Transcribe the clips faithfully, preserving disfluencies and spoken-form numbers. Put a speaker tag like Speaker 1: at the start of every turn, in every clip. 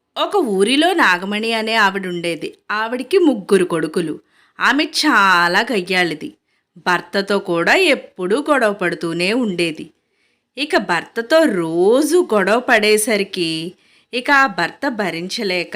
Speaker 1: ఒక ఊరిలో నాగమణి అనే ఆవిడుండేది. ఆవిడికి ముగ్గురు కొడుకులు. ఆమె చాలా గయ్యాళిది. భర్తతో కూడా ఎప్పుడూ గొడవ పడుతూనే ఉండేది. ఇక భర్తతో రోజు గొడవ పడేసరికి ఇక ఆ భర్త భరించలేక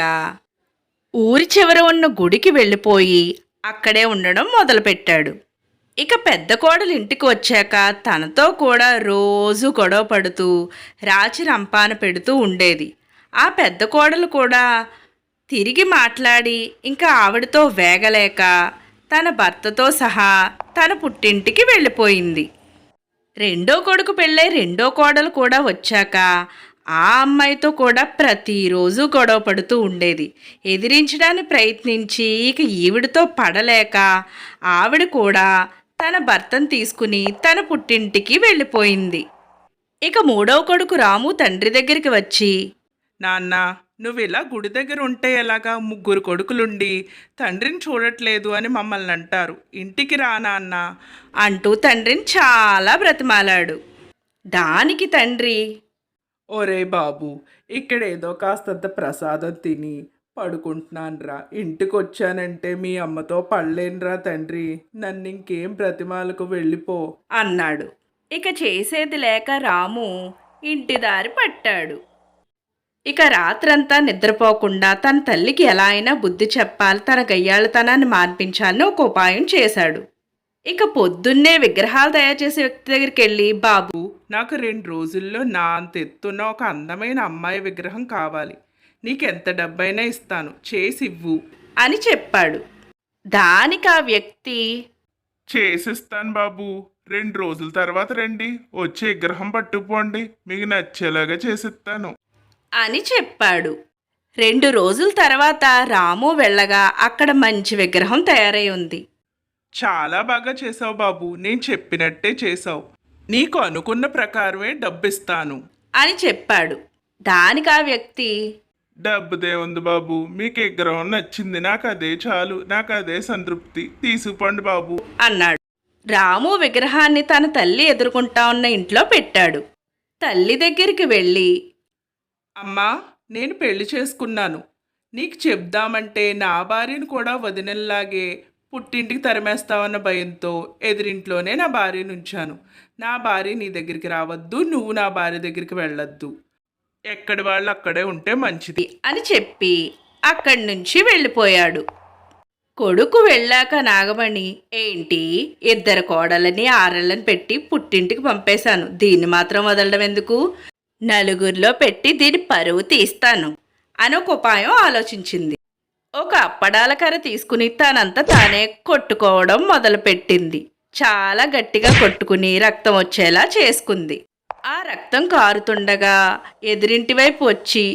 Speaker 1: ఊరి చివర ఉన్న గుడికి వెళ్ళిపోయి అక్కడే ఉండడం మొదలుపెట్టాడు. ఇక పెద్ద కోడలు ఇంటికి వచ్చాక తనతో కూడా రోజు గొడవ పడుతూ రాచి రంపాన పెడుతూ ఉండేది. ఆ పెద్ద కోడలు కూడా తిరిగి మాట్లాడి ఇంకా ఆవిడతో వేగలేక తన భర్తతో సహా తన పుట్టింటికి వెళ్ళిపోయింది. రెండో కొడుకు పెళ్ళై రెండో కోడలు కూడా వచ్చాక ఆ అమ్మాయితో కూడా ప్రతిరోజు గొడవ పడుతూ ఉండేది. ఎదిరించడానికి ప్రయత్నించి ఇక ఈవిడితో పడలేక ఆవిడ కూడా తన భర్తను తీసుకుని తన పుట్టింటికి వెళ్ళిపోయింది. ఇక మూడవ కొడుకు రాము తండ్రి దగ్గరికి వచ్చి,
Speaker 2: నాన్న, నువ్వు ఇలా గుడి దగ్గర ఉంటే ఎలాగా? ముగ్గురు కొడుకులుండి తండ్రిని చూడట్లేదు అని మమ్మల్ని అంటారు. ఇంటికి రా నాన్న
Speaker 1: అంటూ తండ్రిని చాలా బ్రతిమాలాడు. దానికి తండ్రి,
Speaker 2: ఒరే బాబు, ఇక్కడేదో కాస్తంత ప్రసాదం తిని పడుకుంటున్నానురా. ఇంటికి వచ్చానంటే మీ అమ్మతో పడలేనురా తండ్రి. నన్ను ఇంకేం బ్రతిమాలకు వెళ్ళిపో
Speaker 1: అన్నాడు. ఇక చేసేది లేక రాము ఇంటి దారి పట్టాడు. ఇక రాత్రంతా నిద్రపోకుండా తన తల్లికి ఎలా అయినా బుద్ధి చెప్పాలి, తన గయ్యాళతనాన్ని మార్పించాలని ఒక ఉపాయం చేశాడు. ఇక పొద్దున్నే విగ్రహాలు తయారు చేసే వ్యక్తి దగ్గరికి వెళ్ళి, బాబు,
Speaker 2: నాకు రెండు రోజుల్లో నా అంత ఎత్తున్న ఒక అందమైన అమ్మాయి విగ్రహం కావాలి. నీకెంత డబ్బైనా ఇస్తాను, చేసి ఇవ్వు
Speaker 1: అని చెప్పాడు. దానికి ఆ వ్యక్తి,
Speaker 2: చేసిస్తాను బాబు. రెండు రోజుల తర్వాత రండి, వచ్చి విగ్రహం పట్టుకుపోండి, మీకు నచ్చేలాగా చేసిస్తాను
Speaker 1: అని చెప్పాడు. రెండు రోజుల తర్వాత రాము వెళ్ళగా అక్కడ మంచి విగ్రహం తయారై ఉంది.
Speaker 2: చాలా బాగా చేసావు బాబు, నేను చెప్పినట్టే చేసావు. నీకు అనుకున్న ప్రకారమే డబ్బిస్తాను
Speaker 1: అని చెప్పాడు. దానికి ఆ వ్యక్తి,
Speaker 2: డబ్బుదే ఉంది బాబు, మీకు విగ్రహం నచ్చింది, నాకు అదే చాలు, నాకు అదే సంతృప్తి, తీసుకుపోండి బాబు
Speaker 1: అన్నాడు. రాము విగ్రహాన్ని తన తల్లి ఎదుర్కొంటా ఉన్న ఇంట్లో పెట్టాడు. తల్లి దగ్గరికి వెళ్ళి,
Speaker 2: అమ్మా, నేను పెళ్లి చేసుకున్నాను. నీకు చెప్దామంటే నా భార్యను కూడా వదినల్లాగే పుట్టింటికి తరిమేస్తావన్న భయంతో ఎదిరింట్లోనే నా భార్యను ఉంచాను. నా భార్య నీ దగ్గరికి రావద్దు, నువ్వు నా భార్య దగ్గరికి వెళ్ళొద్దు. ఎక్కడి వాళ్ళు అక్కడే ఉంటే మంచిది
Speaker 1: అని చెప్పి అక్కడి నుంచి వెళ్ళిపోయాడు. కొడుకు వెళ్ళాక నాగమణి, ఏంటి, ఇద్దరు కోడలని ఆరళ్ళని పెట్టి పుట్టింటికి పంపేశాను, దీన్ని మాత్రం వదలడం ఎందుకు, నలుగురిలో పెట్టి దీని పరువు తీస్తాను అని ఒక ఉపాయం ఆలోచించింది. ఒక అప్పడాల కర్ర తీసుకుని తనంతా తానే కొట్టుకోవడం మొదలుపెట్టింది. చాలా గట్టిగా కొట్టుకుని రక్తం వచ్చేలా చేసుకుంది. ఆ రక్తం కారుతుండగా ఎదురింటి వైపు వచ్చి,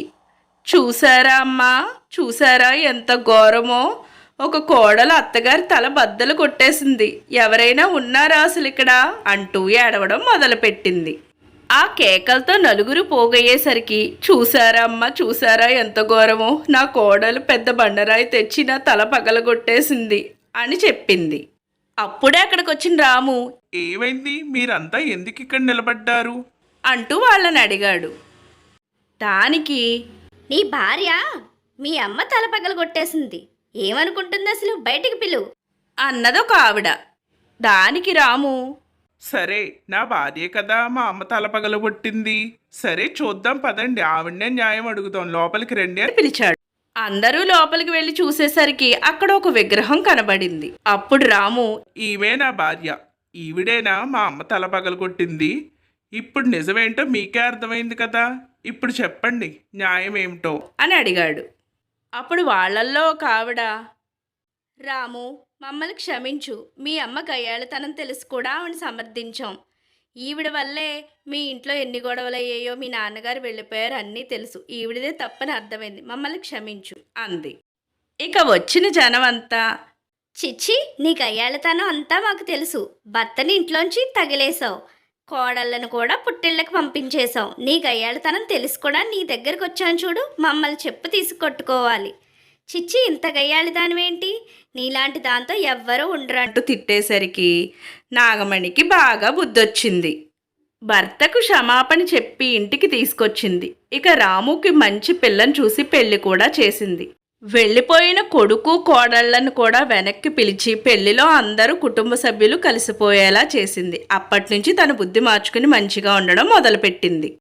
Speaker 1: చూసారా అమ్మా, చూసారా ఎంత ఘోరమో, ఒక కోడలు అత్తగారి తల బద్దలు కొట్టేసింది, ఎవరైనా ఉన్నారా అసలు ఇక్కడ అంటూ ఏడవడం మొదలుపెట్టింది. ఆ కేకలతో నలుగురు పోగయ్యేసరికి, చూసారా అమ్మ, చూసారా ఎంత ఘోరమో, నా కోడలు పెద్ద బండరాయి తెచ్చి నా తల పగలగొట్టేసింది అని చెప్పింది. అప్పుడే అక్కడికి వచ్చిన రాము,
Speaker 2: ఏమైంది, మీరంతా ఎందుకు ఇక్కడ నిలబడ్డారు
Speaker 1: అంటూ వాళ్ళని అడిగాడు. దానికి,
Speaker 3: నీ భార్య మీ అమ్మ తల పగలగొట్టేసింది, ఏమనుకుంటుంది అసలు, బయటికి పిలువు
Speaker 1: అన్నదొక ఆవిడ. దానికి రాము,
Speaker 2: సరే, నా భార్యే కదా మా అమ్మ తల పగలగొట్టింది, సరే చూద్దాం పదండి, ఆవిడనే న్యాయం అడుగుతాం, లోపలికి రండి అని
Speaker 1: పిలిచాడు. అందరూ లోపలికి వెళ్ళి చూసేసరికి అక్కడ ఒక విగ్రహం కనబడింది. అప్పుడు రాము,
Speaker 2: ఈమె నా భార్య, ఈవిడేనా మా అమ్మ తల పగలగొట్టింది? ఇప్పుడు నిజమేంటో మీకే అర్థమైంది కదా, ఇప్పుడు చెప్పండి న్యాయం ఏమిటో
Speaker 1: అని అడిగాడు. అప్పుడు వాళ్ళల్లో ఒక ఆవిడ, రాము, మమ్మల్ని క్షమించు, మీ అమ్మ గయ్యాళతనం తెలుసు కూడా ఆవిడ సమర్థించాం, ఈవిడ వల్లే మీ ఇంట్లో ఎన్ని గొడవలయ్యాయో, మీ నాన్నగారు వెళ్ళిపోయారు, అన్నీ తెలుసు, ఈవిడదే తప్పని అర్థమైంది, మమ్మల్ని క్షమించు అంది. ఇక వచ్చిన జనం అంతా,
Speaker 3: చిచ్చి, నీ గయ్యాళతనం అంతా మాకు తెలుసు, భర్తని ఇంట్లోంచి తగిలేసావు, కోడళ్ళను కూడా పుట్టిళ్ళకి పంపించేశావు, నీ గయ్యాళతనం తెలుసు కూడా నీ దగ్గరకు వచ్చాను చూడు, మమ్మల్ని చెప్పు తీసి కొట్టుకోవాలి, చిచ్చి ఇంత గయ్యాళి దానివేంటి, నీలాంటి దాంతో ఎవ్వరూ ఉండరు
Speaker 1: అంటూ తిట్టేసరికి నాగమణికి బాగా బుద్ధొచ్చింది. భర్తకు క్షమాపణ చెప్పి ఇంటికి తీసుకొచ్చింది. ఇక రాముకి మంచి పిల్లని చూసి పెళ్లి కూడా చేసింది. వెళ్ళిపోయిన కొడుకు కోడళ్లను కూడా వెనక్కి పిలిచి పెళ్లిలో అందరూ కుటుంబ సభ్యులు కలిసిపోయేలా చేసింది. అప్పటి నుంచి తన బుద్ధి మార్చుకుని మంచిగా ఉండడం మొదలుపెట్టింది.